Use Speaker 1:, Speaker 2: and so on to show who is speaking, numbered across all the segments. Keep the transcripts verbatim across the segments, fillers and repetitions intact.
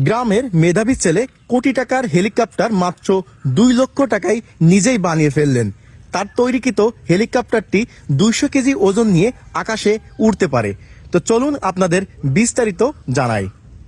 Speaker 1: গ্রামের মেধাবী ছেলে কোটি টাকার হেলিকপ্টার মাত্র দুই লক্ষ টাকায় নিজেই বানিয়ে ফেললেন। তার তৈরিকৃত হেলিকপ্টারটি দুইশো কেজি ওজন নিয়ে আকাশে উড়তে পারে। তো চলুন আপনাদের বিস্তারিত জানাই।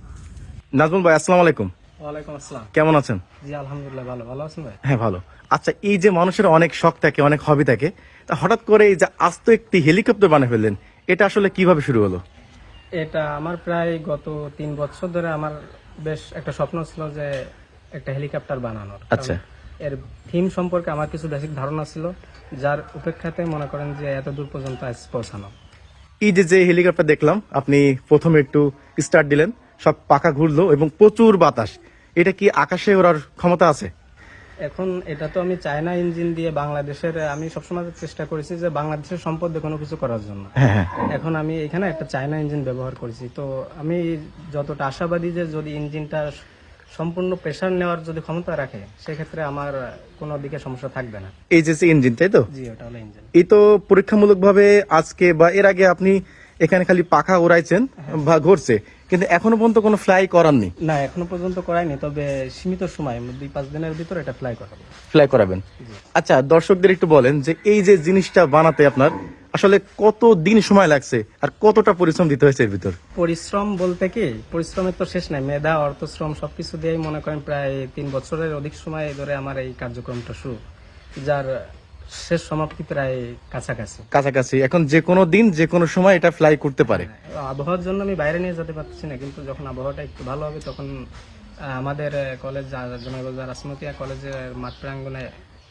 Speaker 1: নাজমুল ভাই, আসসালামু আলাইকুম।
Speaker 2: ওয়ালাইকুম আসসালাম।
Speaker 1: কেমন আছেন?
Speaker 2: জি আলহামদুলিল্লাহ, ভালো। ভালো আছেন ভাই?
Speaker 1: হ্যাঁ ভালো। আচ্ছা, এই যে মানুষের অনেক শখ থাকে, অনেক হবি থাকে, তা হঠাৎ করে এই যে আস্ত একটি হেলিকপ্টার বানিয়ে ফেললেন, এটা আসলে কিভাবে শুরু হলো?
Speaker 2: এটা আমার প্রায় গত তিন বছর ধরে আমার বেশ একটা স্বপ্ন ছিল যে একটা হেলিকপ্টার বানানোর।
Speaker 1: আচ্ছা।
Speaker 2: কারণ এর থিম সম্পর্কে আমার কিছু বেসিক ধারণা ছিল, যার উপেক্ষাতে মনে করেন যে এত দূর পর্যন্ত আজ পৌঁছানো।
Speaker 1: এই যে যে হেলিকপ্টার দেখলাম, আপনি প্রথমে একটু স্টার্ট দিলেন, সব পাখা ঘুরলো এবং প্রচুর বাতাস, এটা কি আকাশে ওড়ার ক্ষমতা আছে?
Speaker 2: এখন এটা তো আমি চায়না ইঞ্জিন দিয়ে বাংলাদেশের, আমি সবসময় চেষ্টা করেছি যে বাংলাদেশের সম্পদ দিয়ে কোনো কিছু করার জন্য।
Speaker 1: হ্যাঁ হ্যাঁ।
Speaker 2: এখন আমি এখানে একটা চায়না ইঞ্জিন ব্যবহার করেছি, তো আমি যতটা আশাবাদী যে যদি ইঞ্জিনটা সম্পূর্ণ প্রেসার নেওয়ার যদি ক্ষমতা রাখে, সেক্ষেত্রে আমার কোনো দিকে সমস্যা থাকবে না।
Speaker 1: এই যে ইঞ্জিন, তাই তো?
Speaker 2: জি, ওটা হলো ইঞ্জিন।
Speaker 1: এই তো পরীক্ষামূলকভাবে আজকে বা এর আগে আপনি এখানে খালি পাখা উড়াইছেন বা ঘুরছে, কিন্তু এখনো পর্যন্ত কোনো ফ্লাই করাননি?
Speaker 2: না, এখনো পর্যন্ত করাইনি, তবে সীমিত সময় দুই পাঁচ দিনের ভিতর এটা ফ্লাই করাবো।
Speaker 1: ফ্লাই করাবেন? আচ্ছা, দর্শকদের একটু বলেন যে এই যে জিনিসটা বানাতে আপনার আসলে কত দিন সময় লাগছে আর কতটা পরিশ্রম দিতে হয়েছে এর ভিতর?
Speaker 2: পরিশ্রম বলতে কি, পরিশ্রমের তো শেষ নাই। মেধা, অর্থশ্রম সবকিছু দিয়েই মনে করেন প্রায় তিন বছরের অধিক সময় ধরে আমার এই কার্যক্রমটা শুরু, যার শেষ সমাপ্তি প্রায় কাছাকাছি
Speaker 1: কাছাকাছি। এখন যে কোনো দিন যে কোনো সময় এটা ফ্লাই করতে পারে।
Speaker 2: আবহাওয়ার জন্য আমি বাইরে নিয়ে যেতে পারছি না, কিন্তু যখন আবহাওয়াটা একটু ভালো হবে তখন আহ, আমাদের কলেজ রাসমতিয়া কলেজের মাঠ প্রাঙ্গনে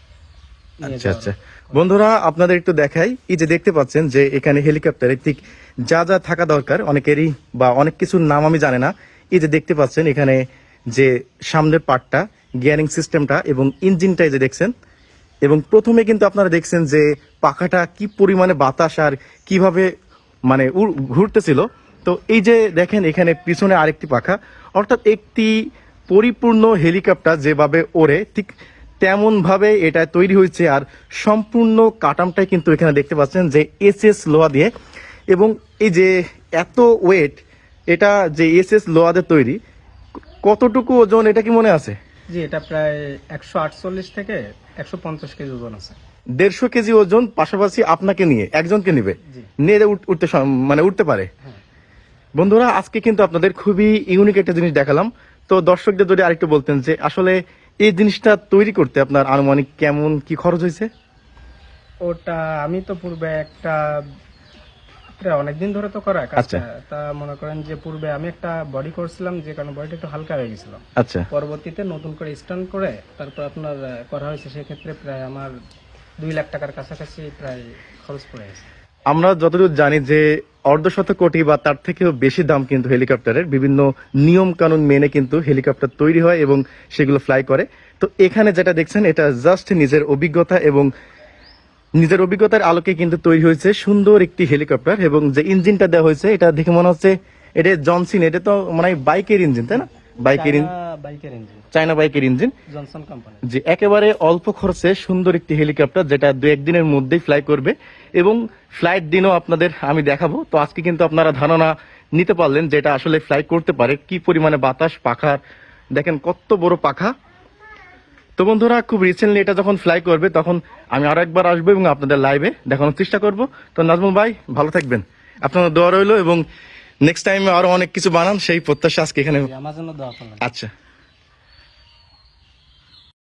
Speaker 2: নিয়ে
Speaker 1: আচ্ছা
Speaker 2: যাওয়া
Speaker 1: আচ্ছা, বন্ধুরা আপনাদের একটু দেখাই। এই যে দেখতে পাচ্ছেন যে এখানে হেলিকপ্টারে ঠিক যা যা থাকা দরকার, অনেকেরই বা অনেক কিছুর নাম আমি জানি না। এই যে দেখতে পাচ্ছেন এখানে যে সামনের পার্টটা, গিয়ারিং সিস্টেমটা এবং ইঞ্জিনটা এই যে দেখছেন, এবং প্রথমে কিন্তু আপনারা দেখছেন যে পাখাটা কি পরিমাণে বাতাস আর কিভাবে মানে উড়- ঘুরতেছিল। তো এই যে দেখেন এখানে পিছনে আরেকটি পাখা, অর্থাৎ একটি পরিপূর্ণ হেলিকপ্টার যেভাবে ওড়ে ঠিক তেমন ভাবে এটা তৈরি হয়েছে। আর সম্পূর্ণ কাটামটাই কিন্তু এখানে দেখতে পাচ্ছেন যে এস এস লোহা দিয়ে, এবং এই যে এত ওয়েট, এটা যে এস এস লোহাদের তৈরি, কতটুকু ওজন এটা কি মনে আছে?
Speaker 2: জি, এটা প্রায় একশো আটচল্লিশ থেকে একশো পঞ্চাশ কেজি ওজন আছে।
Speaker 1: দেড়শো কেজি ওজন, পাশাপাশি আপনাকে নিয়ে একজনকে নিবে,
Speaker 2: জি।
Speaker 1: নিয়ে উঠ- উঠতে সম- মানে উঠতে পারে।
Speaker 2: হ্যাঁ।
Speaker 1: বন্ধুরা, আজকে কিন্তু আপনাদের খুবই ইউনিক একটা জিনিস দেখালাম। তো দর্শকদের যদি আরেকটু বলতেন যে আসলে এই জিনিসটা তৈরি করতে আপনার আনুমানিক কেমন কি খরচ হয়েছে?
Speaker 2: ওটা আমি তো পূর্বে একটা প্রায় অনেকদিন ধরে তো করা কাজটা।
Speaker 1: আচ্ছা।
Speaker 2: তা মনে করেন যে পূর্বে আমি একটা বডি করছিলাম, যে কারণে বডিটা একটু হালকা হয়ে গেছিল।
Speaker 1: আচ্ছা
Speaker 2: পরবর্তীতে নতুন করে স্ট্যান্ড করে তারপর আপনার আহ, করা হয়েছে, সেক্ষেত্রে প্রায় আমার দুই লাখ টাকার কাছাকাছি প্রায় খরচ পড়ে গেছে।
Speaker 1: আমরা যতদূর জানি যে অর্ধশত কোটি বা তার থেকেও বেশি দাম কিন্তু হেলিকপ্টারের, বিভিন্ন নিয়ম কানুন মেনে কিন্তু হেলিকপ্টার তৈরি হয় এবং সেগুলো ফ্লাই করে। তো এখানে যেটা দেখছেন এটা জাস্ট নিজের অভিজ্ঞতা এবং নিজের অভিজ্ঞতার আলোকে কিন্তু তৈরি হয়েছে সুন্দর একটি হেলিকপ্টার। এবং যে ইঞ্জিনটা দেওয়া হয়েছে এটা দেখে মনে হচ্ছে এটা জনসন, এটা তো মানে বাইকের ইঞ্জিন, তাই না? বাইকের ইঞ্জিন,
Speaker 2: চায়না বাইকের ইঞ্জিন,
Speaker 1: চায়না বাইকের ইঞ্জিন।
Speaker 2: Johnson company.
Speaker 1: যে একেবারে অল্প খরচে সুন্দর একটি হেলিকপ্টার যেটা দু একদিনের মধ্যেই ফ্লাই করবে, এবং ফ্লাইট দিনও আপনাদের আমি দেখাবো। তো আজকে কিন্তু আপনারা ধারণা নিতে পারলেন যে এটা আসলে ফ্লাই করতে পারে, কি পরিমাণে বাতাস, পাখার দেখেন কত বড় পাখা। তো বন্ধুরা, খুব রিসেন্টলি এটা যখন ফ্লাই করবে তখন আমি আরো একবার আসবো এবং আপনাদের লাইভে দেখানোর চেষ্টা করব। তো নাজমুল ভাই, ভালো থাকবেন, আপনার দোয়া রইলো, এবং নেক্সট টাইমে আরো অনেক কিছু বানান সেই প্রত্যাশা আজকে এখানে।
Speaker 2: আমার জন্য দোয়া করবেন।
Speaker 1: আচ্ছা।